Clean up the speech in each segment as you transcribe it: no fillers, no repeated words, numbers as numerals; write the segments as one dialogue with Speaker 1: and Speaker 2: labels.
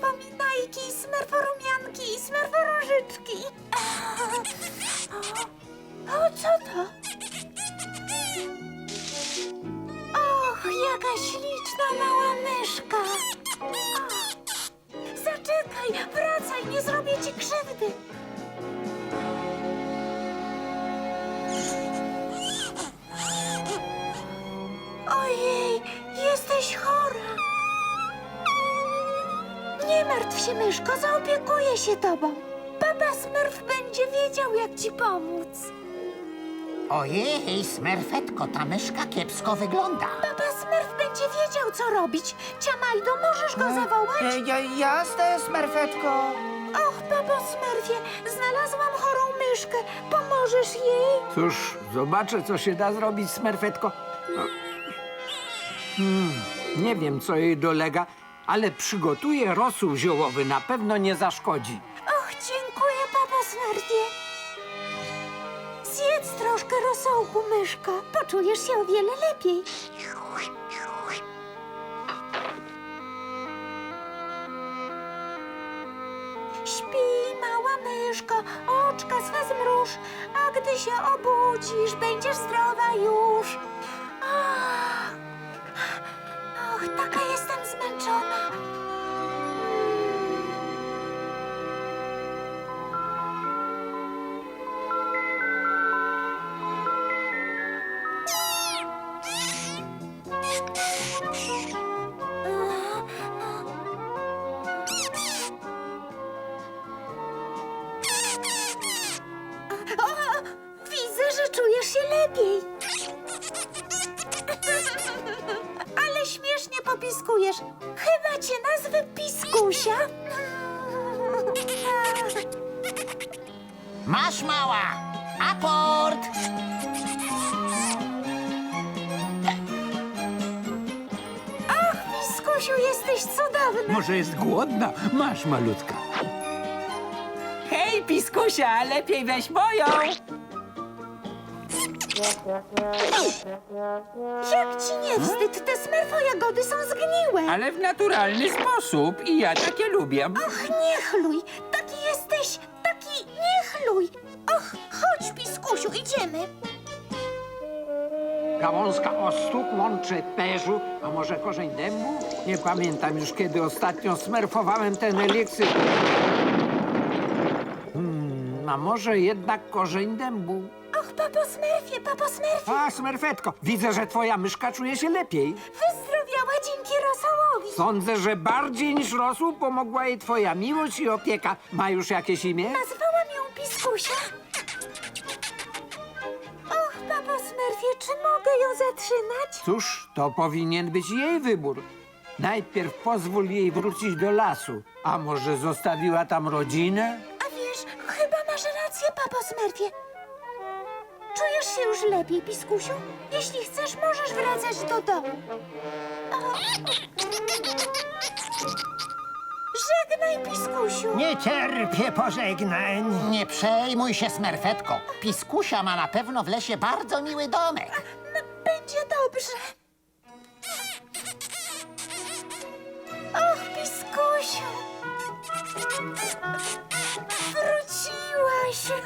Speaker 1: smerfopominajki, smerforumianki i smerforóżyczki. O, co to? Och, jaka śliczna mała myszka. Zaczekaj, wracaj, nie zrobię ci krzywdy. Ojej, jesteś chora. Nie martw się, myszko, zaopiekuję się tobą. Papa Smurf będzie wiedział, jak ci pomóc.
Speaker 2: Ojej, Smerfetko, ta myszka kiepsko wygląda.
Speaker 1: Papa Smurf będzie wiedział, co robić. Ciamajdo, możesz go zawołać?
Speaker 3: Jasne, Smerfetko.
Speaker 1: Och, papo Smurfie, znalazłam chorą myszkę. Pomożesz jej?
Speaker 4: Cóż, zobaczę, co się da zrobić, Smerfetko. No. Nie wiem, co jej dolega, ale przygotuję rosół ziołowy, na pewno nie zaszkodzi.
Speaker 1: Och, dziękuję, papo Smurfie. Zjedz troszkę rosołku, myszko. Poczujesz się o wiele lepiej. Śpij, mała myszko, oczka swe zmruż, a gdy się obudzisz, będziesz zdrowa już. Ach, och, taka jestem zmęczona. O, widzę, że czujesz się lepiej. Ale śmiesznie popiskujesz. Chyba cię nazwę Piskusia.
Speaker 2: Masz, mała! Aport!
Speaker 1: Ach, Piskusiu, jesteś cudowny.
Speaker 4: Może jest głodna? Masz, malutka.
Speaker 3: Hej, Piskusia, lepiej weź moją.
Speaker 1: Jak ci nie wstyd? Te smerfojagody są zgniłe.
Speaker 3: Ale w naturalny sposób i ja takie lubię.
Speaker 1: Och, nie chluj. Taki jesteś, taki nie chluj. Och, chodź, Piskusiu, idziemy.
Speaker 4: Gałązka ostu łączy perzu, a może korzeń dębu? Nie pamiętam już, kiedy ostatnio smerfowałem ten eliksir. A może jednak korzeń dębu?
Speaker 1: Och, papo Smurfie, papo Smurfie.
Speaker 4: A, Smerfetko, widzę, że twoja myszka czuje się lepiej.
Speaker 1: Wyzdrowiała dzięki rosołowi.
Speaker 4: Sądzę, że bardziej niż rosół pomogła jej twoja miłość i opieka. Ma już jakieś imię?
Speaker 1: Nazwałam ją Piskusia. Och, papo Smurfie, czy mogę ją zatrzymać?
Speaker 4: Cóż, to powinien być jej wybór. Najpierw pozwól jej wrócić do lasu. A może zostawiła tam rodzinę?
Speaker 1: A wiesz, chyba masz rację, papo Smurfie. Czujesz się już lepiej, Piskusiu? Jeśli chcesz, możesz wracać do domu. O. Żegnaj, Piskusiu.
Speaker 5: Nie cierpię pożegnań.
Speaker 2: Nie przejmuj się, Smerfetko. Piskusia ma na pewno w lesie bardzo miły domek.
Speaker 1: Będzie dobrze. Och, Piskusiu. Wróciłaś.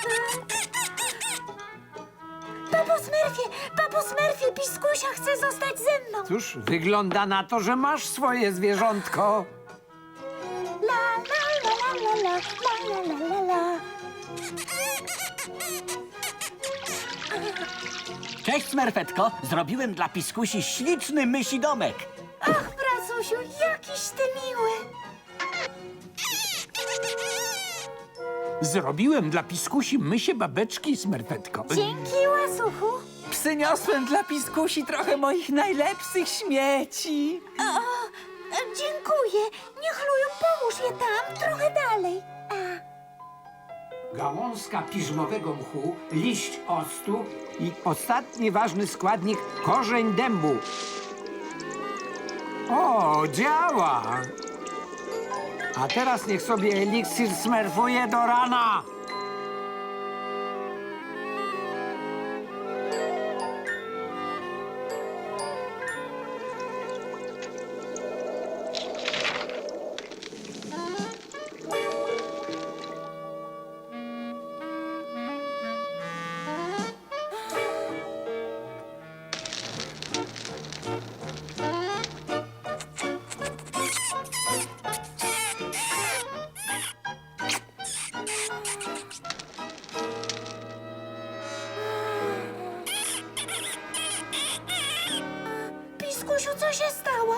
Speaker 1: Papo Smurfie, Piskusia chce zostać ze mną.
Speaker 4: Cóż, wygląda na to, że masz swoje zwierzątko.
Speaker 1: La, la, la, la, la, la, la, la, la.
Speaker 5: Cześć, Smerfetko. Zrobiłem dla Piskusi śliczny mysi domek.
Speaker 1: Ach, pracusiu, jakiś ty miły.
Speaker 4: Zrobiłem dla piskusi mysie babeczki, Smerfetko.
Speaker 1: Dzięki, łasuchu.
Speaker 3: Przyniosłem dla Piskusi trochę moich najlepszych śmieci.
Speaker 1: Dziękuję. Niech lują, połóż je tam, trochę dalej.
Speaker 4: Gałązka piżmowego mchu, liść octu i ostatni ważny składnik korzeń dębu. O, działa! A teraz niech sobie eliksir smerfuje do rana.
Speaker 1: Co się stało?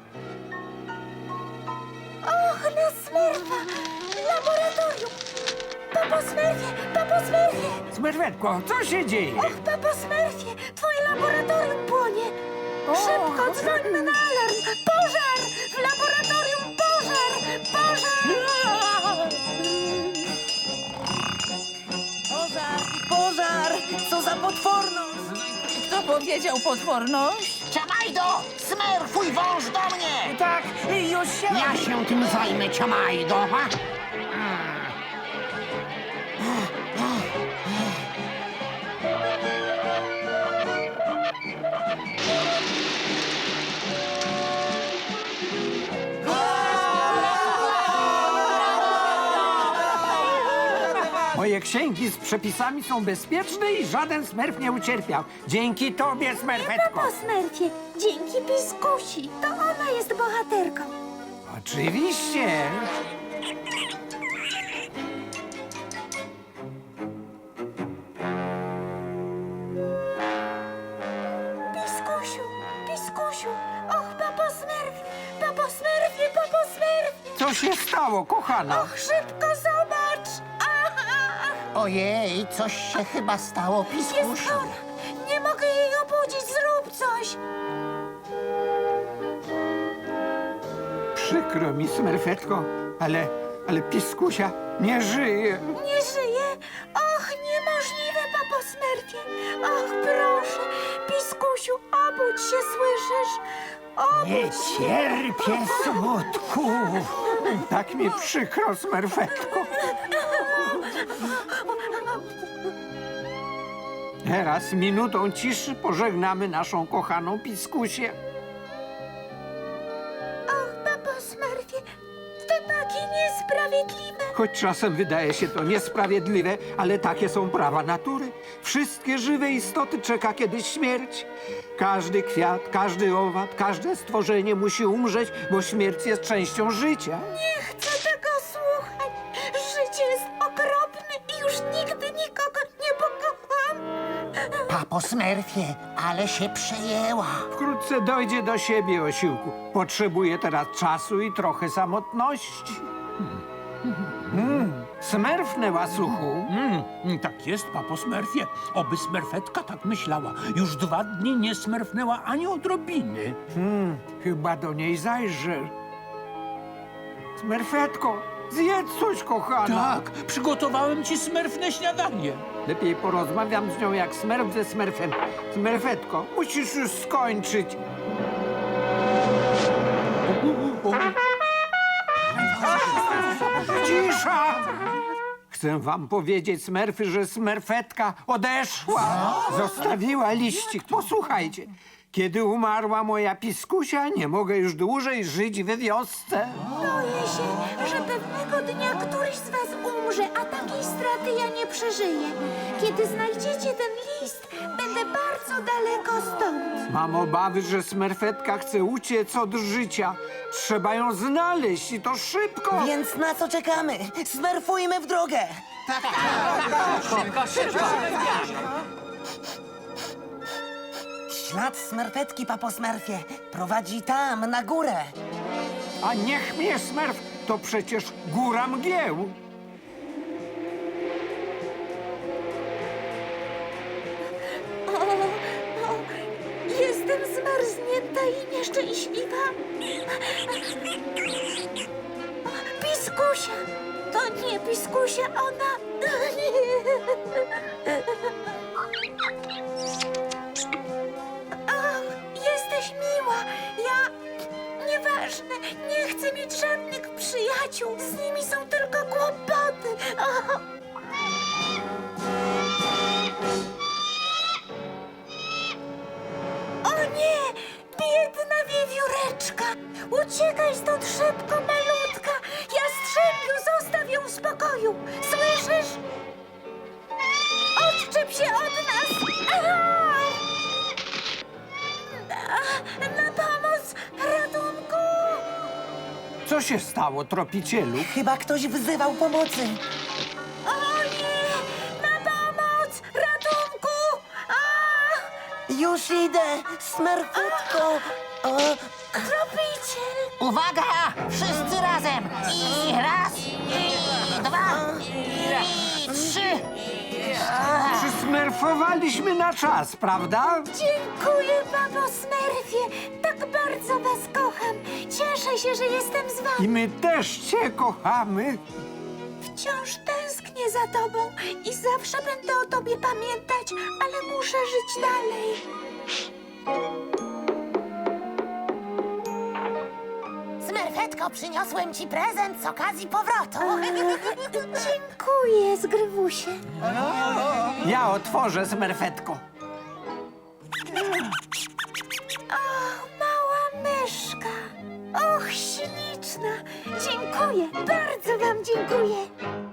Speaker 1: Och, na Smerfa! Laboratorium! Papo Smerfie! Papo Smerfie!
Speaker 4: Smerfetko, co się dzieje?
Speaker 1: Och, papo Smerfie! Twoje laboratorium płonie! Szybko dzwońmy na alarm! Pożar! W laboratorium pożar! Pożar!
Speaker 3: Pożar! Pożar! Co za potworność! Kto powiedział potworność?
Speaker 2: Ciamajdo! Smerfuj wąż do mnie!
Speaker 3: Tak, już się...
Speaker 2: Ja się tym zajmę, Ciamajdo. Ha?
Speaker 4: Moje księgi z przepisami są bezpieczne i żaden smerf nie ucierpiał. Dzięki tobie, Smerfetko.
Speaker 1: Papo Smerfie! Dzięki Piskusi! To ona jest bohaterką!
Speaker 4: Oczywiście.
Speaker 1: Piskusiu! Piskusiu! Och, papo Smerfie! Papo Smerfie! Papo Smerfie!
Speaker 4: Co się stało, kochana?
Speaker 1: Och, szybko zobacz! Aha!
Speaker 2: Ojej, coś się chyba stało,
Speaker 1: Jest
Speaker 2: Piskusiu.
Speaker 1: chora! Nie mogę jej obudzić! Zrób coś!
Speaker 4: Przykro mi, Smerfetko, ale Piskusia nie żyje.
Speaker 1: Nie żyje! Och, niemożliwe, papo Smerfie! Och, proszę! Piskusiu, obudź się, słyszysz?
Speaker 4: Nie
Speaker 1: Obudź się!
Speaker 4: cierpię smutku. Tak mi przykro, Smerfetko. Teraz minutą ciszy pożegnamy naszą kochaną Piskusię.
Speaker 1: Och, papo Smerfie! To takie niesprawiedliwe!
Speaker 4: Choć czasem wydaje się to niesprawiedliwe, ale takie są prawa natury. Wszystkie żywe istoty czeka kiedyś śmierć. Każdy kwiat, każdy owad, każde stworzenie musi umrzeć, bo śmierć jest częścią życia.
Speaker 1: Nie chcę tego słuchać! Życie jest okropne i już nigdy nikogo nie pokocham!
Speaker 2: Papo Smerfie, ale się przejęła.
Speaker 4: Wkrótce dojdzie do siebie, osiłku. Potrzebuje teraz czasu i trochę samotności. Smerfnę, łasuchu.
Speaker 6: Tak jest, papo Smerfie. Oby Smerfetka tak myślała. Już 2 dni nie smerfnęła ani odrobiny.
Speaker 4: Chyba do niej zajrzę. Smerfetko, zjedz coś, kochana.
Speaker 6: Tak, przygotowałem ci smerfne śniadanie.
Speaker 4: Lepiej porozmawiam z nią jak smerf ze smerfem. Smerfetko, musisz już skończyć. Cisza! Chcę wam powiedzieć, smerfy, że smerfetka odeszła. Zostawiła liścik. Posłuchajcie. Kiedy umarła moja Piskusia, nie mogę już dłużej żyć we wiosce.
Speaker 1: Boję się, że pewnego dnia któryś z was umrze, a takiej straty ja nie przeżyję. Kiedy znajdziecie ten list, będę bardzo daleko stąd.
Speaker 4: Mam obawy, że smerfetka chce uciec od życia. Trzeba ją znaleźć i to szybko.
Speaker 7: Więc na co czekamy? Smerfujmy w drogę! Ślad smerfetki, papo Smerfie, prowadzi tam, na górę.
Speaker 4: A niech mnie smerf, to przecież góra mgieł.
Speaker 1: O, jestem zmarznięta i nieszczęśliwa. Piskusia! To nie Piskusia, ona... Ach, jesteś miła. Ja... Nieważne, nie chcę mieć żadnych przyjaciół. Z nimi są tylko kłopoty. Ach. O nie! Biedna wiewióreczka! Uciekaj stąd szybko, malutka! Jastrzębiu, zostaw ją w spokoju! Słyszysz? Odczep się od nas! Aha! Na pomoc! Ratunku!
Speaker 4: Co się stało, tropicielu?
Speaker 7: Chyba ktoś wzywał pomocy.
Speaker 1: O nie! Na pomoc! Ratunku! A!
Speaker 7: Już idę, Smerfetko. O,
Speaker 1: Tropiciel!
Speaker 2: Uwaga! Wszyscy razem! I raz, i dwa, i trzy!
Speaker 4: Przysmerfowaliśmy na czas, prawda?
Speaker 1: Dziękuję, papo Smurfie! Tak bardzo was kocham! Cieszę się, że jestem z wami!
Speaker 4: I my też cię kochamy.
Speaker 1: Wciąż tęsknię za tobą i zawsze będę o tobie pamiętać, ale muszę żyć dalej.
Speaker 8: Smerfetko, przyniosłem ci prezent z okazji powrotu.
Speaker 1: Dziękuję, Zgrywusie.
Speaker 4: Ja otworzę, Smerfetko.
Speaker 1: Mała myszka. Och, śliczna. Dziękuję, bardzo wam dziękuję.